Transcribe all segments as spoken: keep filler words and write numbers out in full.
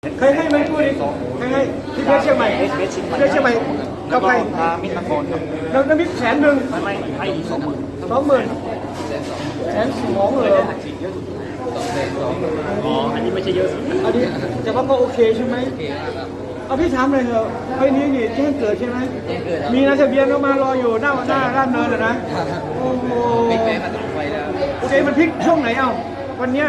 เคยให้ไหมพูดดิเคยให้ที่เพชรเชียงใหม่เอสเอสเชียงใหม่เพชรเชียงใหม่กับใครพามิตรนครครับน้ำน้ำพริกแสนหนึ่งไม่ไม่ให้สองหมื่นสองหมื่นแสนสองเลยอ๋ออันนี้ไม่ใช่เยอะสุดอันนี้แต่ว่าก็โอเคใช่ไหมเอาพี่ถามเลยเถอะไอ้นี้นี่แจ้งเกิดใช่ไหมมีนายทะเบียนก็มารออยู่หน้าหน้าด้านเนินเลยนะโอ้โหโอเคมันพลิกช่วงไหนเอ้าวันเนี้ย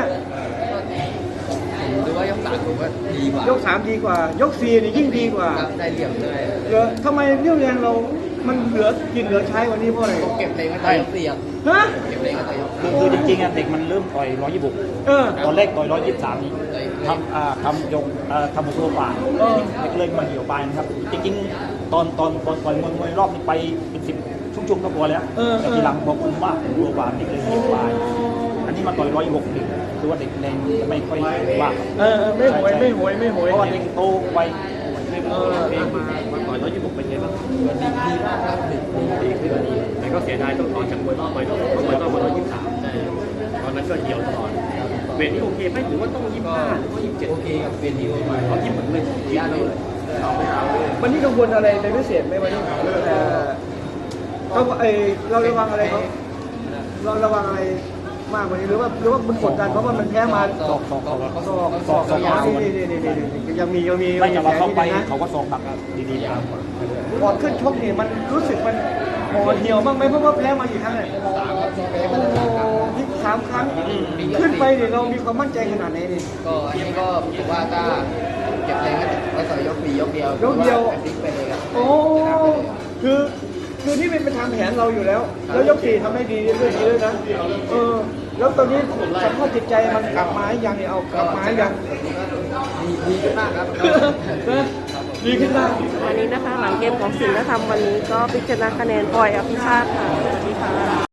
หรือว่ายกสามผมว่าดีกว่ายกสามดีกว่า ยกสี่นี่ยิ่งดีกว่าได้เหลี่ยมด้วยเหลือทำไมเรี่ยวแรงเรา มันเหลือกินเหลือใช้วันนี้เพราะอะไรเก็บเพลงมาต่อยยกสี่อ่ะฮะเก็บเพลงมาต่อยยกคือคือจริงๆอ่ะเด็กมันเริ่มต่อยร้อยยี่สิบหกเออตอนแรกต่อยร้อยยี่สิบสามนี่ทำอ่าทำยกอ่าทำหกตัวป่าเออเด็กเลยมาเหี่ยวไปนะครับ จริงๆ ตอนตอนตอนต่อยมวยมวยรอบนี้ไปเป็นสิบชุ่มๆก็พอแล้วเออแต่ทีหลังพอคุมมากตัวป่าเด็กเลยเหี่ยวไปอันนี้มาต่อยร้อยยี่สิบหกนี่คือว่าเด็กแรงจะไม่ค่อยว่าเออไม่หวยไม่หวยไม่หวยเพราะว่าเด็กโตไวเออมาต่อยร้อยยี่สิบหกเป็นไงบ้างดีดีมากครับดีดีดีขึ้นดีแต่ก็เสียดายต้องต่อจากมวยรอบไปต้องต้องมวยรอบมาร้อยยี่สิบสามใช่ตอนนั้นก็เหี่ยวตลอดเวทนี้โอเคไหมหรือว่าต้องยี่สิบห้าหรือว่ายี่สิบเจ็ดโอเคกับเป็นดีโอมาเอายี่สิบหกเลยยี่สิบเลยเอาไม่เอาเลยวันนี้กังวลอะไรเป็นพิเศษไหมวันนี้เอ่อเขาเออเราระวังอะไรเขาเราระวังอะไรมากกว่านี้หรือว่าหรือว่ามันกดดันเพราะว่ามันแพ้มาสอกสอกสอกสอกสอกสอกนี่นี่นี่นี่นี่ยังมียังมีไม่จะว่าเขาไปนะเขาก็สอกหนักดีๆครับก่อนขึ้นชกนี่มันรู้สึกมันห่อเหี่ยวบ้างไหมเพราะว่าแพ้มากี่ครั้งเนี่ยโอ้โหที่สามครั้งขึ้นไปเนี่ยเรามีความมั่นใจขนาดไหนนี่ก็อันนี้ก็ผมว่าถ้าเก็บเพลงก็ต่อยยกสี่ยกเดียวยกเดียวพลิกไปเลยครับโอ้คือคือนี่เป็นไปตามแผนเราอยู่แล้ว แล้วยกสี่ทำให้ดีด้วยดีด้วยนะเออแล้วตอนนี้สภาพจิตใจมันกลับมาให้ยังเนี่ยเอากลับมาให้ยังดีดีขึ้นมากครับนะดีขึ้นได้วันนี้นะคะหลังเกมของสิงห์ธรรมวันนี้ก็พิจารณาคะแนนปล่อยอภิชาติค่ะสวัสดีค่ะ